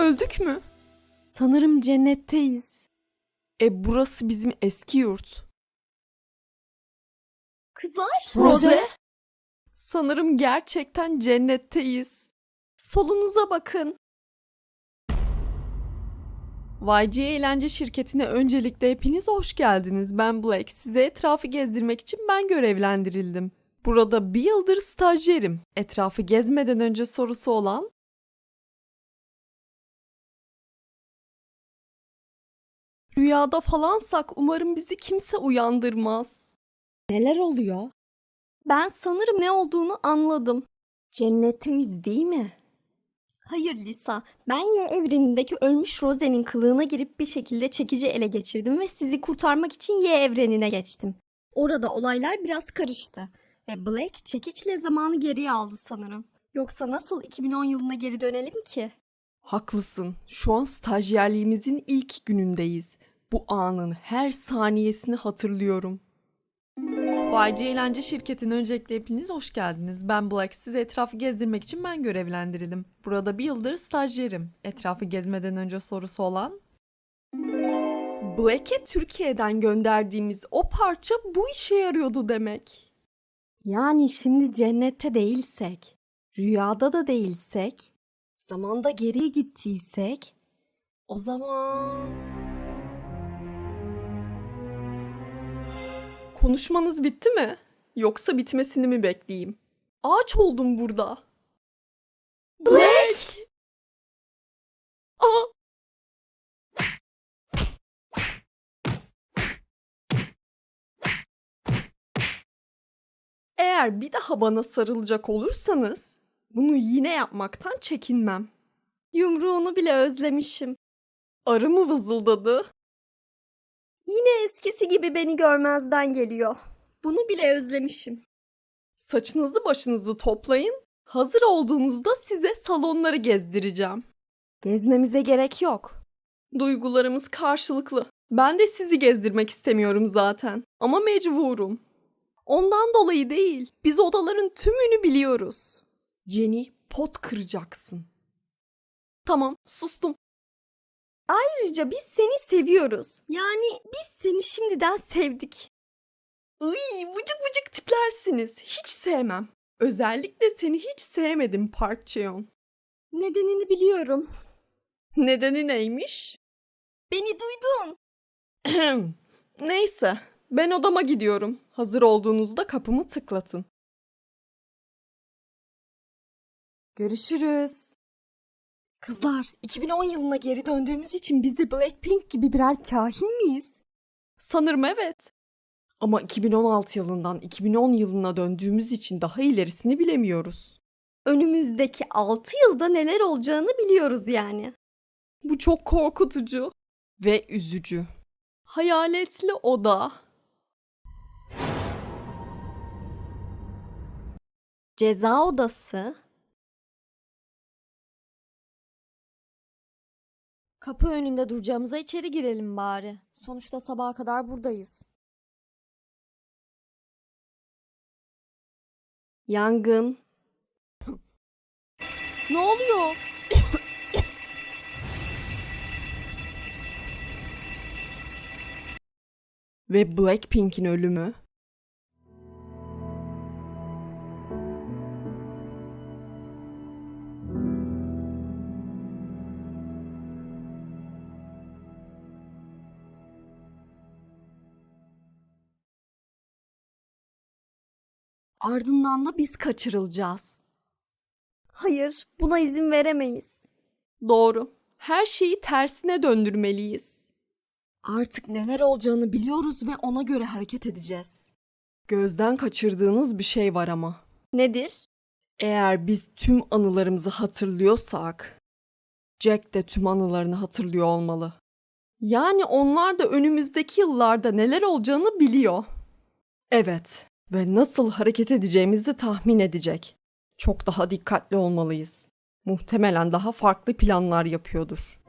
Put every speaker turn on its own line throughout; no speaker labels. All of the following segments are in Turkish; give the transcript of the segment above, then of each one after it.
öldük mü?
Sanırım cennetteyiz.
Burası bizim eski yurt.
Kızlar?
Rose? Sanırım gerçekten cennetteyiz. Solunuza bakın. YG Eğlence Şirketi'ne öncelikle hepiniz hoş geldiniz. Ben Black. Size etrafı gezdirmek için ben görevlendirildim. Burada bir yıldır stajyerim. Etrafı gezmeden önce sorusu olan? Rüyada falansak umarım bizi kimse uyandırmaz.
Neler oluyor?
Ben sanırım ne olduğunu anladım.
Cennetteyiz değil mi?
Hayır Lisa, ben Y evrenindeki ölmüş Rose'nin kılığına girip bir şekilde çekici ele geçirdim ve sizi kurtarmak için Y evrenine geçtim. Orada olaylar biraz karıştı ve Black çekiçle zamanı geriye aldı sanırım. Yoksa nasıl 2010 yılına geri dönelim ki?
Haklısın. Şu an stajyerliğimizin ilk günündeyiz. Bu anın her saniyesini hatırlıyorum. YG Eğlence Şirketi'ne öncelikle hepiniz hoş geldiniz. Ben Black. Sizi etrafı gezdirmek için ben görevlendirildim. Burada bir yıldır stajyerim. Etrafı gezmeden önce sorusu olan? Black'e Türkiye'den gönderdiğimiz o parça bu işe yarıyordu demek.
Yani şimdi cennette değilsek, rüyada da değilsek, zamanda geriye gittiysek, o zaman...
Konuşmanız bitti mi? Yoksa bitmesini mi bekleyeyim? Ağaç oldum burada. Black! Aa! Eğer bir daha bana sarılacak olursanız bunu yine yapmaktan çekinmem.
Yumruğunu bile özlemişim.
Arı mı vızıldadı?
Yine eskisi gibi beni görmezden geliyor. Bunu bile özlemişim.
Saçınızı başınızı toplayın. Hazır olduğunuzda size salonları gezdireceğim.
Gezmemize gerek yok.
Duygularımız karşılıklı. Ben de sizi gezdirmek istemiyorum zaten. Ama mecburum. Ondan dolayı değil. Biz odaların tümünü biliyoruz. Jenny, pot kıracaksın. Tamam, sustum.
Ayrıca biz seni seviyoruz. Yani biz seni şimdiden sevdik.
Iy, vıcık vıcık tiplersiniz. Hiç sevmem. Özellikle seni hiç sevmedim Park Cheon.
Nedenini biliyorum.
Nedeni neymiş?
Beni duydun.
Neyse, ben odama gidiyorum. Hazır olduğunuzda kapımı tıklatın.
Görüşürüz. Kızlar, 2010 yılına geri döndüğümüz için biz de Blackpink gibi birer kahin miyiz?
Sanırım evet. Ama 2016 yılından 2010 yılına döndüğümüz için daha ilerisini bilemiyoruz.
Önümüzdeki 6 yılda neler olacağını biliyoruz yani.
Bu çok korkutucu ve üzücü. Hayaletli oda.
Ceza odası.
Kapı önünde duracağımıza içeri girelim bari. Sonuçta sabaha kadar buradayız.
Yangın.
Ne oluyor? Ve Blackpink'in ölümü.
Ardından da biz kaçırılacağız.
Hayır, buna izin veremeyiz.
Doğru. Her şeyi tersine döndürmeliyiz.
Artık neler olacağını biliyoruz ve ona göre hareket edeceğiz.
Gözden kaçırdığınız bir şey var ama.
Nedir?
Eğer biz tüm anılarımızı hatırlıyorsak, Jack de tüm anılarını hatırlıyor olmalı. Yani onlar da önümüzdeki yıllarda neler olacağını biliyor. Evet ve nasıl hareket edeceğimizi tahmin edecek. Çok daha dikkatli olmalıyız. Muhtemelen daha farklı planlar yapıyordur.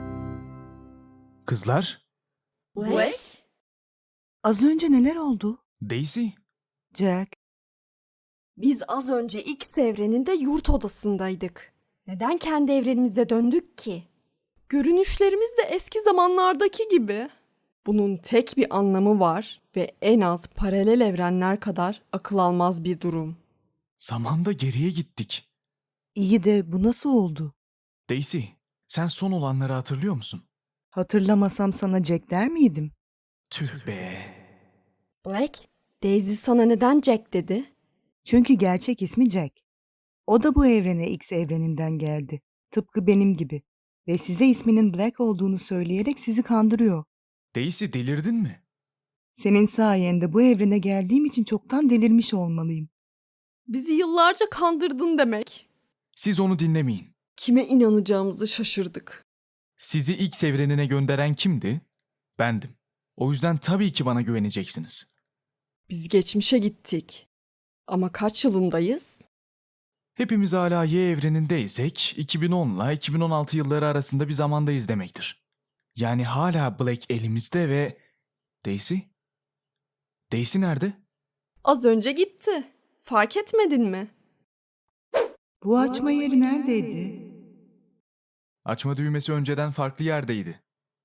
Kızlar,
Black?
Az önce neler oldu?
Daisy?
Jack,
Biz az önce X evreninde yurt odasındaydık. Neden kendi evrenimize döndük ki? Görünüşlerimiz de eski zamanlardaki gibi. Bunun tek bir anlamı var ve en az paralel evrenler kadar akıl almaz bir durum.
Zamanda geriye gittik.
iyi de bu nasıl oldu?
Daisy, sen son olanları hatırlıyor musun?
Hatırlamasam sana Jack der miydim?
Tüh be.
Black, Daisy sana neden Jack dedi?
Çünkü gerçek ismi Jack. O da bu evrene X evreninden geldi. Tıpkı benim gibi. Ve size isminin Black olduğunu söyleyerek sizi kandırıyor.
Daisy, delirdin mi?
Senin sayende bu evrene geldiğim için çoktan delirmiş olmalıyım.
Bizi yıllarca kandırdın demek.
Siz onu dinlemeyin.
Kime inanacağımızı şaşırdık.
Sizi X evrenine gönderen kimdi? Bendim. O yüzden tabii ki bana güveneceksiniz.
Biz geçmişe gittik. Ama kaç yılındayız?
Hepimiz hala Y evrenindeysek 2010 ile 2016 yılları arasında bir zamandayız demektir. Yani hala Black elimizde ve... Daisy? Daisy nerede?
Az önce gitti. Fark etmedin mi?
Bu açma yeri neredeydi?
Açma düğmesi önceden farklı yerdeydi.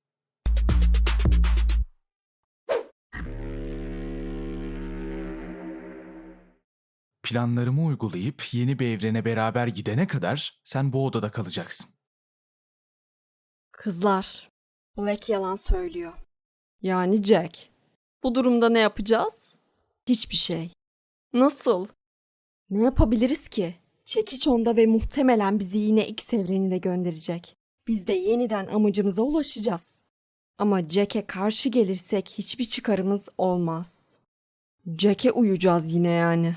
Planlarımı uygulayıp yeni bir evrene beraber gidene kadar sen bu odada kalacaksın.
Kızlar, Black yalan söylüyor. Yani Jack. Bu durumda ne yapacağız? Hiçbir şey. Nasıl? Ne yapabiliriz ki? Çekiç onda ve muhtemelen bizi yine X evrenine gönderecek. Biz de yeniden amacımıza ulaşacağız. Ama Jack'e karşı gelirsek hiçbir çıkarımız olmaz. Jack'e uyacağız yine yani.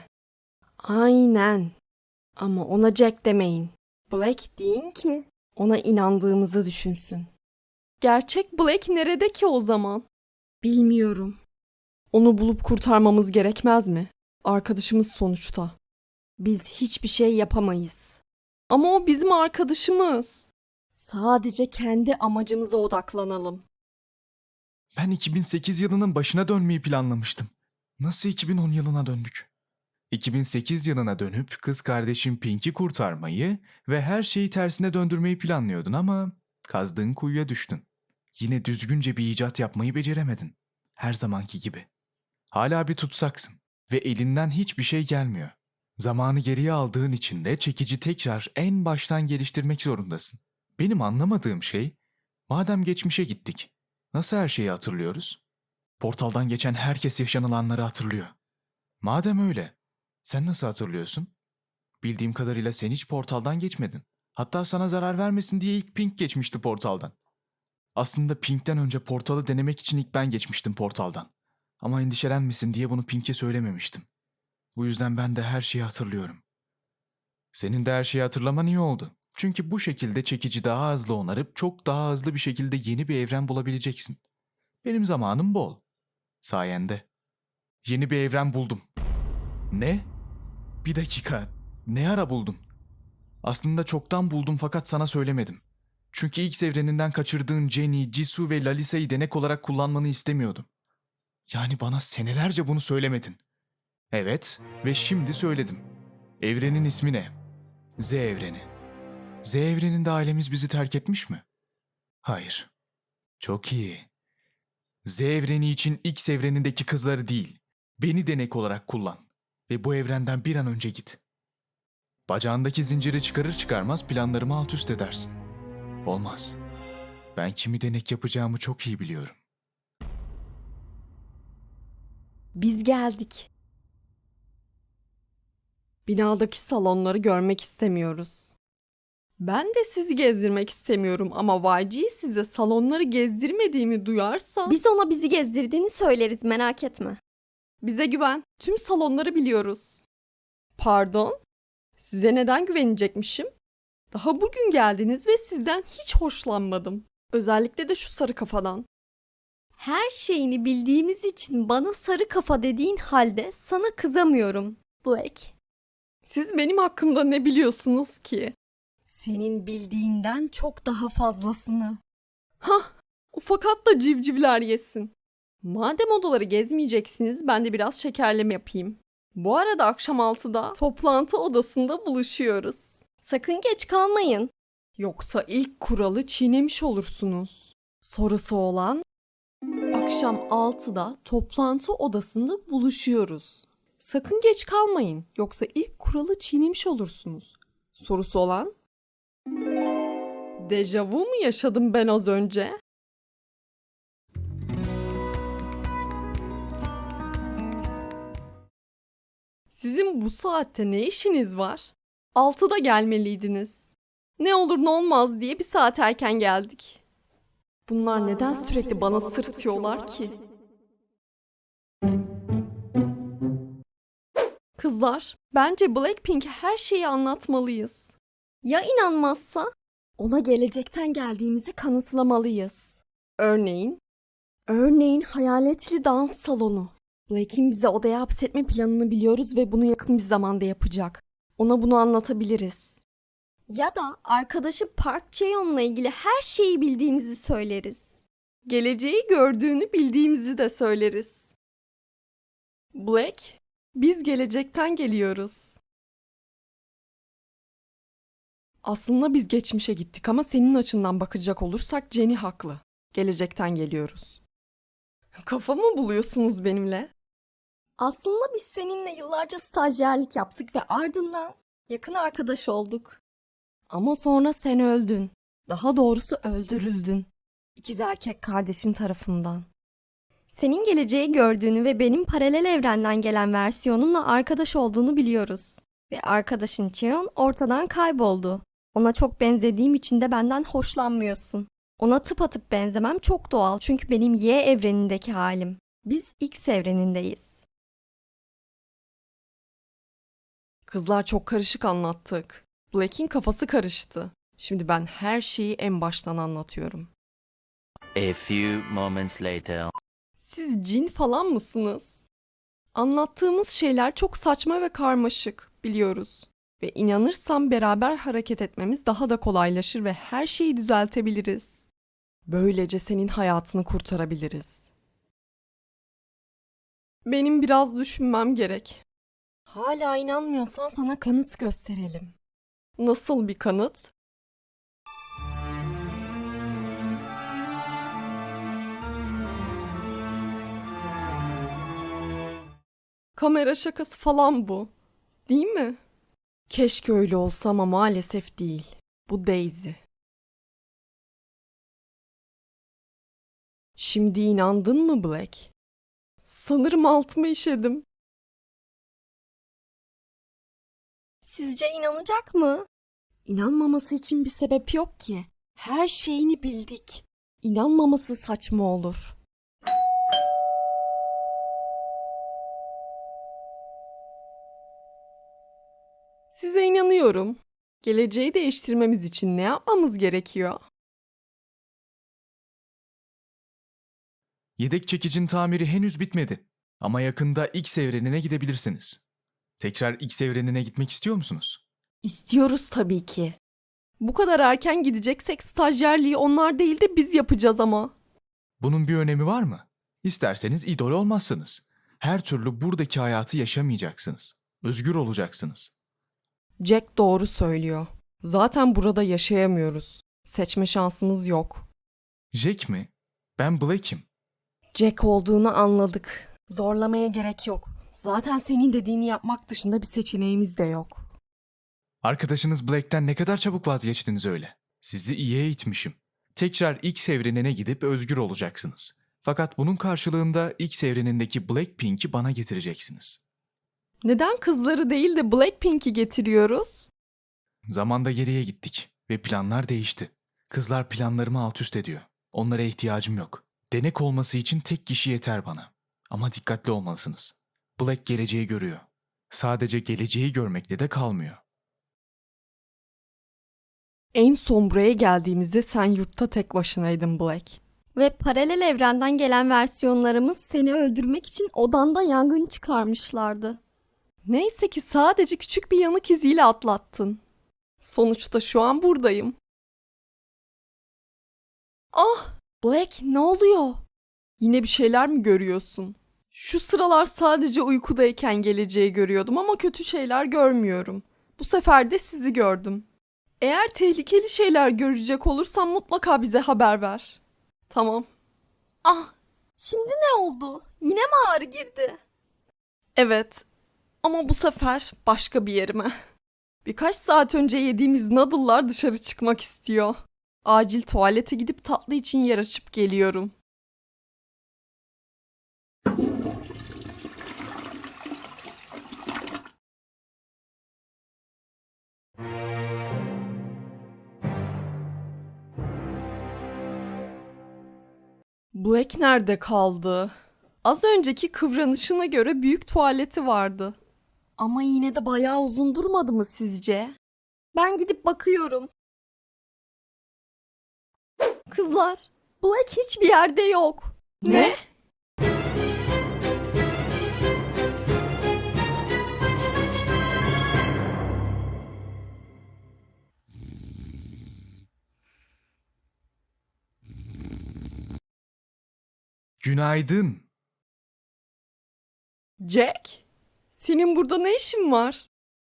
Aynen. Ama ona Jack demeyin. Black deyin ki ona inandığımızı düşünsün. Gerçek Black nerede ki o zaman? Bilmiyorum. Onu bulup kurtarmamız gerekmez mi? Arkadaşımız sonuçta. Biz hiçbir şey yapamayız. Ama o bizim arkadaşımız. Sadece kendi amacımıza odaklanalım.
Ben 2008 yılının başına dönmeyi planlamıştım. Nasıl 2010 yılına döndük? 2008 yılına dönüp kız kardeşim Pink'i kurtarmayı ve her şeyi tersine döndürmeyi planlıyordun ama kazdığın kuyuya düştün. Yine düzgünce bir icat yapmayı beceremedin. Her zamanki gibi. Hala bir tutsaksın ve elinden hiçbir şey gelmiyor. Zamanı geriye aldığın için de çekici tekrar en baştan geliştirmek zorundasın. Benim anlamadığım şey, madem geçmişe gittik, nasıl her şeyi hatırlıyoruz? Portaldan geçen herkes yaşanılanları hatırlıyor. Madem öyle, sen nasıl hatırlıyorsun? Bildiğim kadarıyla sen hiç portaldan geçmedin. Hatta sana zarar vermesin diye ilk Pink geçmişti portaldan. Aslında Pink'ten önce portalı denemek için ilk ben geçmiştim portaldan. Ama endişelenmesin diye bunu Pink'e söylememiştim. Bu yüzden ben de her şeyi hatırlıyorum. Senin de her şeyi hatırlaman iyi oldu. Çünkü bu şekilde çekici daha hızlı onarıp çok daha hızlı bir şekilde yeni bir evren bulabileceksin. Benim zamanım bol. Sayende. Yeni bir evren buldum. Ne? Bir dakika. Ne ara buldun? Aslında çoktan buldum fakat sana söylemedim. Çünkü X evreninden kaçırdığın Jenny, Jisoo ve Lalisa'yı denek olarak kullanmanı istemiyordum. Yani bana senelerce bunu söylemedin. Evet ve şimdi söyledim. Evrenin ismi ne? Z evreni. Z evreninde ailemiz bizi terk etmiş mi? Hayır. Çok iyi. Z evreni için X evrenindeki kızları değil, beni denek olarak kullan. Ve bu evrenden bir an önce git. Bacağındaki zinciri çıkarır çıkarmaz planlarımı alt üst edersin. Olmaz. Ben kimi denek yapacağımı çok iyi biliyorum.
Biz geldik. Binadaki salonları görmek istemiyoruz. Ben de sizi gezdirmek istemiyorum ama YG size salonları gezdirmediğimi duyarsa...
Biz ona bizi gezdirdiğini söyleriz, merak etme.
Bize güven. Tüm salonları biliyoruz. Pardon? Size neden güvenecekmişim? Daha bugün geldiniz ve sizden hiç hoşlanmadım. Özellikle de şu sarı kafadan.
Her şeyini bildiğimiz için bana sarı kafa dediğin halde sana kızamıyorum, Black.
Siz benim hakkımda ne biliyorsunuz ki?
Senin bildiğinden çok daha fazlasını.
Hah, ufak at da civcivler yesin. Madem odaları gezmeyeceksiniz ben de biraz şekerleme yapayım. Bu arada akşam 6'da toplantı odasında buluşuyoruz.
Sakın geç kalmayın.
Yoksa ilk kuralı çiğnemiş olursunuz. Sorusu olan akşam 6'da toplantı odasında buluşuyoruz. Sakın geç kalmayın yoksa ilk kuralı çiğnemiş olursunuz. Sorusu olan dejavu mu yaşadım ben az önce? Sizin bu saatte ne işiniz var? 6'da gelmeliydiniz. Ne olur ne olmaz diye bir saat erken geldik. Bunlar neden sürekli bana sırıtıyorlar ki? Kızlar, bence Blackpink'e her şeyi anlatmalıyız.
Ya inanmazsa?
Ona gelecekten geldiğimizi kanıtlamalıyız. Örneğin hayaletli dans salonu. Black'in bize odaya hapsetme planını biliyoruz ve bunu yakın bir zamanda yapacak. Ona bunu anlatabiliriz.
Ya da arkadaşı Park Jae-yoon'la ilgili her şeyi bildiğimizi söyleriz.
Geleceği gördüğünü bildiğimizi de söyleriz. Black, biz gelecekten geliyoruz. Aslında biz geçmişe gittik ama senin açından bakacak olursak Jenny haklı. Gelecekten geliyoruz. Kafa mı buluyorsunuz benimle?
Aslında biz seninle yıllarca stajyerlik yaptık ve ardından yakın arkadaş olduk.
Ama sonra sen öldün. Daha doğrusu öldürüldün. İkiz erkek kardeşin tarafından.
Senin geleceği gördüğünü ve benim paralel evrenden gelen versiyonumla arkadaş olduğunu biliyoruz. Ve arkadaşın Cheon ortadan kayboldu. Ona çok benzediğim için de benden hoşlanmıyorsun. Ona tıpatıp benzemem çok doğal çünkü benim Y evrenindeki halim. Biz X evrenindeyiz.
Kızlar çok karışık anlattık. Black'in kafası karıştı. Şimdi ben her şeyi en baştan anlatıyorum.
A few moments later.
Siz cin falan mısınız? Anlattığımız şeyler çok saçma ve karmaşık, biliyoruz. Ve inanırsam beraber hareket etmemiz daha da kolaylaşır ve her şeyi düzeltebiliriz. Böylece senin hayatını kurtarabiliriz. Benim biraz düşünmem gerek. Hala inanmıyorsan sana kanıt gösterelim. Nasıl bir kanıt? Kamera şakası falan bu. Değil mi? Keşke öyle olsa ama maalesef değil. Bu Daisy. Şimdi inandın mı Black? Sanırım altıma işedim.
Sizce inanacak mı?
İnanmaması için bir sebep yok ki. Her şeyini bildik. İnanmaması saçma olur. Size inanıyorum. Geleceği değiştirmemiz için ne yapmamız gerekiyor?
Yedek çekicin tamiri henüz bitmedi. Ama yakında X evrenine gidebilirsiniz. Tekrar X evrenine gitmek istiyor musunuz?
İstiyoruz tabii ki. Bu kadar erken gideceksek stajyerliği onlar değil de biz yapacağız ama.
Bunun bir önemi var mı? İsterseniz idol olmazsınız. Her türlü buradaki hayatı yaşamayacaksınız. Özgür olacaksınız.
Jack doğru söylüyor. Zaten burada yaşayamıyoruz. Seçme şansımız yok.
Jack mi? Ben Black'im.
Jack olduğunu anladık. Zorlamaya gerek yok. Zaten senin dediğini yapmak dışında bir seçeneğimiz de yok.
Arkadaşınız Black'ten ne kadar çabuk vazgeçtiniz öyle. Sizi iyi eğitmişim. Tekrar X evrenine gidip özgür olacaksınız. Fakat bunun karşılığında X evrenindeki Blackpink'i bana getireceksiniz.
Neden kızları değil de Blackpink'i getiriyoruz?
Zamanda geriye gittik ve planlar değişti. Kızlar planlarımı alt üst ediyor. Onlara ihtiyacım yok. Denek olması için tek kişi yeter bana. Ama dikkatli olmalısınız. Black geleceği görüyor. Sadece geleceği görmekle de kalmıyor.
En son buraya geldiğimizde sen yurtta tek başınaydın Black.
Ve paralel evrenden gelen versiyonlarımız seni öldürmek için odanda yangın çıkarmışlardı.
Neyse ki sadece küçük bir yanık iziyle atlattın. Sonuçta şu an buradayım. Ah! Black ne oluyor? Yine bir şeyler mi görüyorsun? Şu sıralar sadece uykudayken geleceği görüyordum ama kötü şeyler görmüyorum. Bu sefer de sizi gördüm. Eğer tehlikeli şeyler görecek olursan mutlaka bize haber ver. Tamam.
Ah, şimdi ne oldu? Yine mi ağrı girdi?
Evet. Ama bu sefer başka bir yerime. Birkaç saat önce yediğimiz noodle'lar dışarı çıkmak istiyor. Acil tuvalete gidip tatlı için yer açıp geliyorum. Black nerede kaldı? Az önceki kıvranışına göre büyük tuvaleti vardı. Ama yine de bayağı uzun durmadı mı sizce?
Ben gidip bakıyorum.
Kızlar, Black hiçbir yerde yok. Ne?
Günaydın.
Jack, senin burada ne işin var?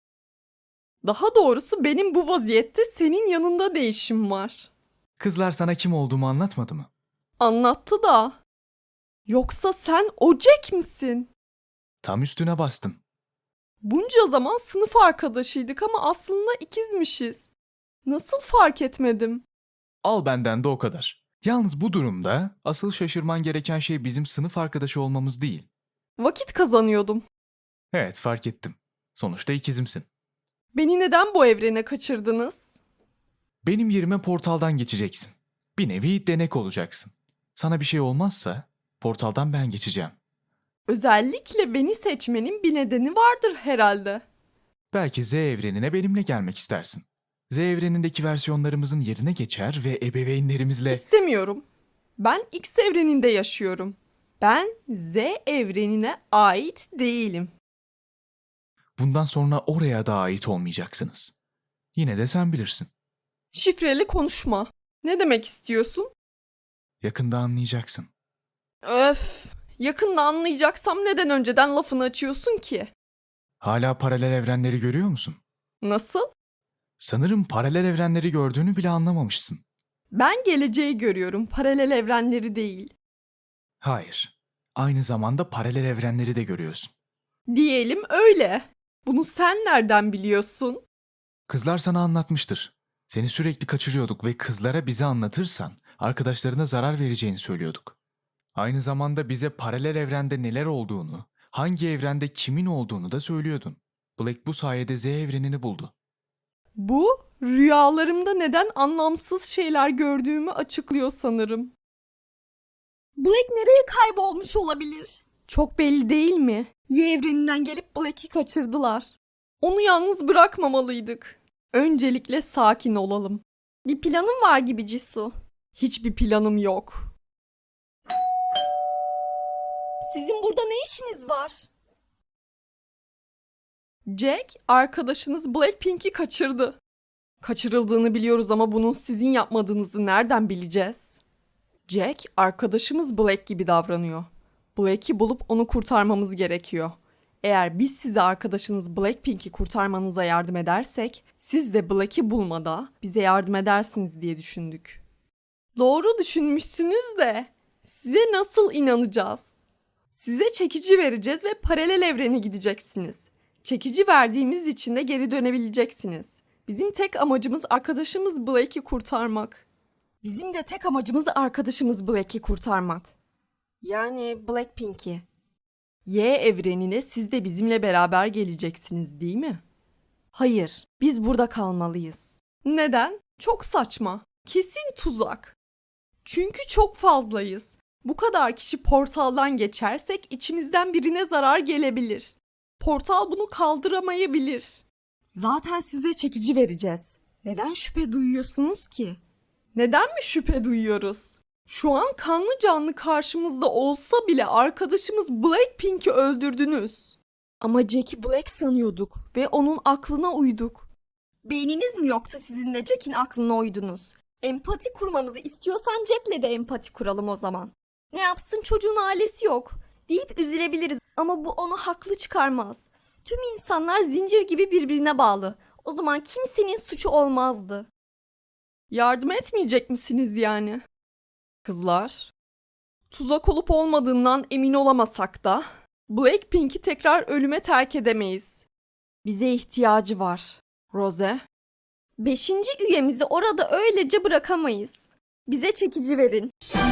Daha doğrusu benim bu vaziyette senin yanında ne işim var?
Kızlar sana kim olduğumu anlatmadı mı?
Anlattı da. Yoksa sen o Jack misin?
Tam üstüne bastım.
Bunca zaman sınıf arkadaşıydık ama aslında ikizmişiz. Nasıl fark etmedim?
Al benden de o kadar. Yalnız bu durumda asıl şaşırman gereken şey bizim sınıf arkadaşı olmamız değil.
Vakit kazanıyordum.
Evet, fark ettim. Sonuçta ikizimsin.
Beni neden bu evrene kaçırdınız?
Benim yerime portaldan geçeceksin. Bir nevi denek olacaksın. Sana bir şey olmazsa portaldan ben geçeceğim.
Özellikle beni seçmenin bir nedeni vardır herhalde.
Belki Z evrenine benimle gelmek istersin. Z evrenindeki versiyonlarımızın yerine geçer ve ebeveynlerimizle...
İstemiyorum. Ben X evreninde yaşıyorum. Ben Z evrenine ait değilim.
Bundan sonra oraya da ait olmayacaksınız. Yine de sen bilirsin.
Şifreli konuşma. Ne demek istiyorsun?
Yakında anlayacaksın.
Öf. Yakında anlayacaksam neden önceden lafını açıyorsun ki?
Hala paralel evrenleri görüyor musun?
Nasıl?
Sanırım paralel evrenleri gördüğünü bile anlamamışsın.
Ben geleceği görüyorum, paralel evrenleri değil.
Hayır. Aynı zamanda paralel evrenleri de görüyorsun.
Diyelim öyle. Bunu sen nereden biliyorsun?
Kızlar sana anlatmıştır. Seni sürekli kaçırıyorduk ve kızlara bize anlatırsan arkadaşlarına zarar vereceğini söylüyorduk. Aynı zamanda bize paralel evrende neler olduğunu, hangi evrende kimin olduğunu da söylüyordun. Black bu sayede Z evrenini buldu.
Bu, rüyalarımda neden anlamsız şeyler gördüğümü açıklıyor sanırım.
Black nereye kaybolmuş olabilir?
Çok belli değil mi? Y evreninden gelip Black'i kaçırdılar. Onu yalnız bırakmamalıydık. Öncelikle sakin olalım.
Bir planın var gibi Jisoo.
Hiçbir planım yok.
Sizin burada ne işiniz var?
Jack, arkadaşınız Blackpink'i kaçırdı. Kaçırıldığını biliyoruz ama bunun sizin yapmadığınızı nereden bileceğiz? Jack, arkadaşımız Black gibi davranıyor. Black'i bulup onu kurtarmamız gerekiyor. Eğer biz size arkadaşınız Blackpink'i kurtarmanıza yardım edersek, siz de Black'i bulmada bize yardım edersiniz diye düşündük. Doğru düşünmüşsünüz de size nasıl inanacağız? Size çekici vereceğiz ve paralel evrene gideceksiniz. Çekici verdiğimiz için de geri dönebileceksiniz. Bizim tek amacımız arkadaşımız Blake'i kurtarmak. Bizim de tek amacımız arkadaşımız Blake'i kurtarmak. Yani Blackpink'i. Y evrenine siz de bizimle beraber geleceksiniz değil mi? Hayır, biz burada kalmalıyız. Neden? Çok saçma. Kesin tuzak. Çünkü çok fazlayız. Bu kadar kişi portaldan geçersek içimizden birine zarar gelebilir. Portal bunu kaldıramayabilir. Zaten size çekici vereceğiz. Neden şüphe duyuyorsunuz ki? Neden mi şüphe duyuyoruz? Şu an kanlı canlı karşımızda olsa bile arkadaşımız Blackpink'i öldürdünüz. Ama Jack'i Black sanıyorduk ve onun aklına uyduk.
Beyniniz mi yoksa sizin de Jack'in aklına uydunuz? Empati kurmamızı istiyorsan Jack'le de empati kuralım o zaman. Ne yapsın, çocuğun ailesi yok deyip üzülebiliriz ama bu onu haklı çıkarmaz. Tüm insanlar zincir gibi birbirine bağlı. O zaman kimsenin suçu olmazdı.
Yardım etmeyecek misiniz yani? Kızlar, tuzak olup olmadığından emin olamasak da Blackpink'i tekrar ölüme terk edemeyiz. Bize ihtiyacı var. Rose,
5. üyemizi orada öylece bırakamayız. Bize çekici verin.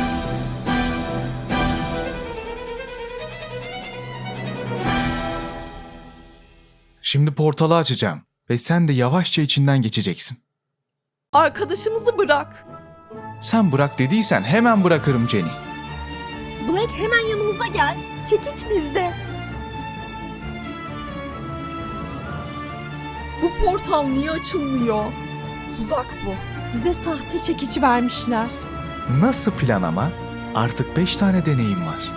Şimdi portalı açacağım ve sen de yavaşça içinden geçeceksin.
arkadaşımızı bırak.
Sen bırak dediysen hemen bırakırım Jenny.
Black, hemen yanımıza gel. Çekiç bizde.
Bu portal niye açılmıyor? Tuzak bu. Bize sahte çekici vermişler.
Nasıl plan ama? Artık 5 tane deneyim var.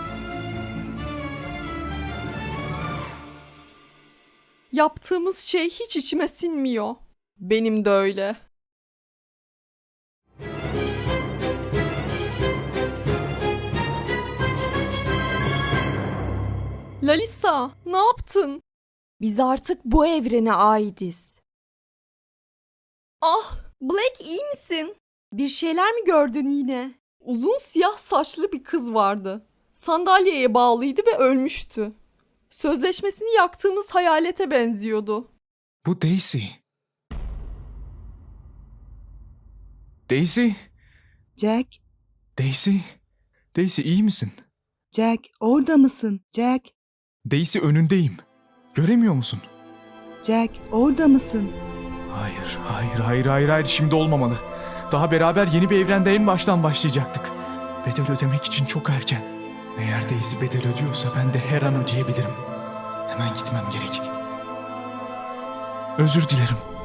Yaptığımız şey hiç içime sinmiyor. Benim de öyle. Lalisa, ne yaptın? Biz artık bu evrene aitiz. Ah,
Black, iyi misin?
bir şeyler mi gördün yine? Uzun siyah saçlı bir kız vardı. Sandalyeye bağlıydı ve ölmüştü. Sözleşmesini yaktığımız hayalete benziyordu.
Bu Daisy. Daisy?
Jack,
Daisy? Daisy iyi misin?
Jack orada mısın? Jack,
Daisy önündeyim. Göremiyor musun?
Jack orada mısın?
Hayır. Şimdi olmamalı. Daha beraber yeni bir evrende en baştan başlayacaktık. Bedel ödemek için çok erken. Eğer Daisy bedel ödüyorsa ben de her an ödeyebilirim. Hemen gitmem gerek. Özür dilerim.